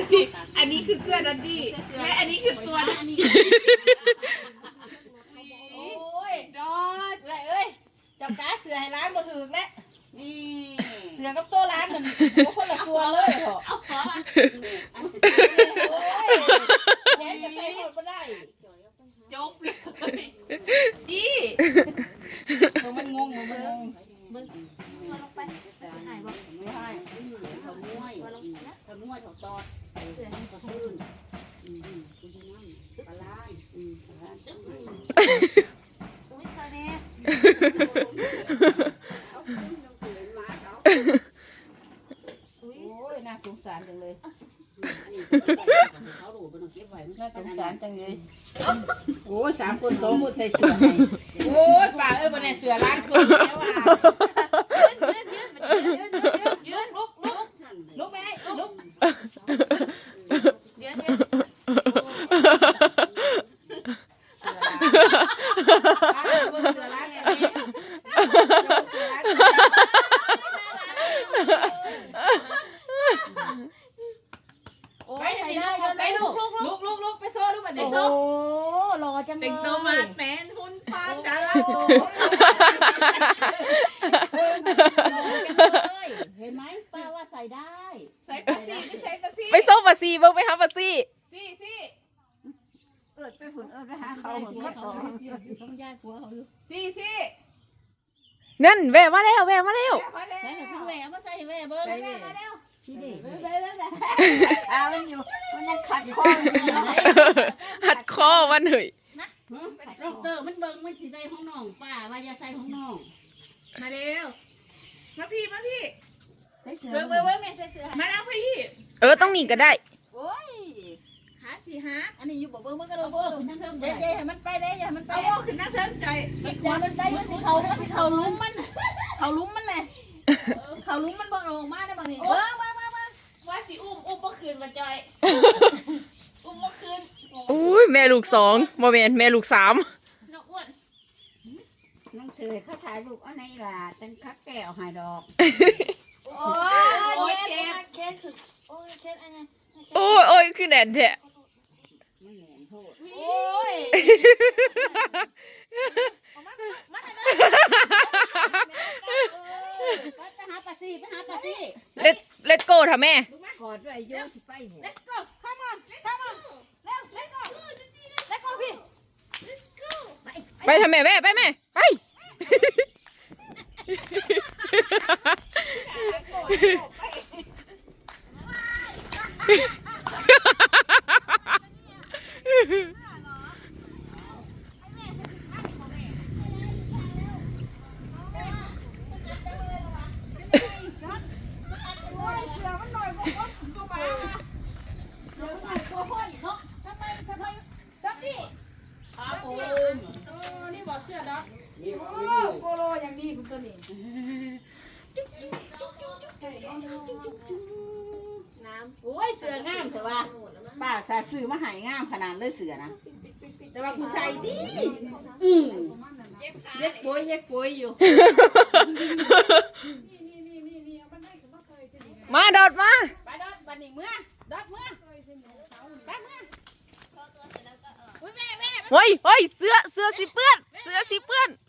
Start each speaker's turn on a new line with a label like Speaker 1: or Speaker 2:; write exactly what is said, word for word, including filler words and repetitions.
Speaker 1: นี้อันนี้คือเสื้อดันดี้และอันนี้คือตัวดันดี้โอ้ยดอดเลยเอ้ยจับกาเสือให้ร้านบ่ถึงแล้วนี่เสือกับตัวร้านมันโอ้คนละตัวเลยเหรอเอาขอมาโอ้ยแย่จะใส่หมดไม่ได้จบเลยดีมันงงมันงงมึงมาลงไปจะหายบ่ไม่ให้เขาม้วยเขาม้วยเขาตอดเขาพื้นอืมคุณน้ำปลาล้านอืมปลาล้านอุ้ยตาเนี่ยโอ้ยน่าสงสารจังเลยเขาดูเป็นเก็บไว้น่าสงสารจังเลยโอ้ยสามคนสองคนใส่เสื้อให้โอ้ยป่าเอ้ยบนในเสื้อร้านคนแล้วอ่ะยืนยืนยืนยืนยืนลุกลุกลุกไหมลุกยืนยืนเสื้อร้านเสื้อร้านเนี่ยเสื้อร้านไปใส่ได้ไปลุกลุกลุกลุกลุกไปโซ่ดูบัดนี้โซ่โอ้รอจังเลยแต่งตัวมาแมนหุ่นฟานดาราเห็นไหมป้าว่าใส่ได้ใส่ปาซีใส่ปาซี
Speaker 2: ไปโซ่ปาซีเบิ่งไปหาปาซี
Speaker 1: ซีซี
Speaker 3: เอิดไปฝุ่นเอิดไปหาเขาเหมือนกันต่อต้องย้ายหัวเขาอยู่
Speaker 1: ซีซี
Speaker 2: นั่นแว่มาแล้วแว่มาแล้ว
Speaker 1: มาแล้ว
Speaker 3: ใส่ถุงแหวนมาใส่แหวนเบอร์
Speaker 1: มาแล้วมาแล้ว
Speaker 3: นี่ดิ
Speaker 1: ไปแล้วไป
Speaker 3: เอามันอยู่มันยังขัดคออยู่
Speaker 2: หัดคอวันเหย
Speaker 3: ดอกเตอร์มันเบิ่งมันสิใส่ห้องน้องป้าว่าอย่าใส่ห้องน้อง
Speaker 1: มาเร็วมาพี่มาพี่
Speaker 3: เบิ่งเบิ่งเบิ่งแม่ใส่เสื้อ
Speaker 1: มาแล้วพี่
Speaker 2: เออต้องมีก็ได้
Speaker 1: โอ้ยขาสี่ฮะ
Speaker 3: อันนี้อยู่บ่เบิ่งมันก็โดนเบิ่งนั่งเทิงเด้ๆให้มันไปเด้อย่ามันไป
Speaker 1: เอาโอ้ขึ้นนั่งเทิงใจ
Speaker 3: อย่ามันไปมันสิเขามันสิเขาลุ้มมันเขาลุ้มมันแหละเขาลุ้มมันบ่ลงมาได้บ่นี่เบิ่งเบิ่งเบิ่งเบิ่ง
Speaker 1: ว่าสิอุ้มอุ้มบ่คืนมาจอยอุ้มบ่คืน
Speaker 2: อุ้ยแม่ลูกสองบ่แม่นแม่ลูกสาม
Speaker 1: น้องอ้วน
Speaker 3: หนังสือเขาถ่ายรูปเอาไหนล่ะจังคักแก้วให้ดอก
Speaker 1: โอ้ยเจ็บเจ็บสุดโอ้ยเจ็บอันนี้
Speaker 2: โอ้ยโอ้ยคือแน่นแท้
Speaker 3: มันแหลมโทษ
Speaker 1: โอ้ย
Speaker 3: ไปหาปลาซีไปหาปลาซี
Speaker 2: เล็ดเล็ดโก้ท่ะแม่
Speaker 3: กอดด้วยโยสิไปหัว
Speaker 1: Let's go come on come on เร็ว Let's go Let's go พี่ Let's go
Speaker 2: ไปทำแม่แม่ไปแม่ไป
Speaker 1: นี่บอกเสื้อดอกโปโลอย่างดีเป็นตัวนี้น้ำโอ้ยเสื้องามเถอะว่าป้าใส่ซื้อมาหายงามขนาดเลยเสื้อนะแต่ว่าผู้ใส่ดีอืมเย็กป่วยเย็กป่วยอยู่
Speaker 2: มาดอดมา
Speaker 1: ไปดอดบันนี้เมื่อดอดเมื่อไปเมื่ออุ้ยแม่แม่
Speaker 2: เฮ้ยเฮ้ยเสื้อเสื้อสิเปื้อนเสื้อสิเปื้อน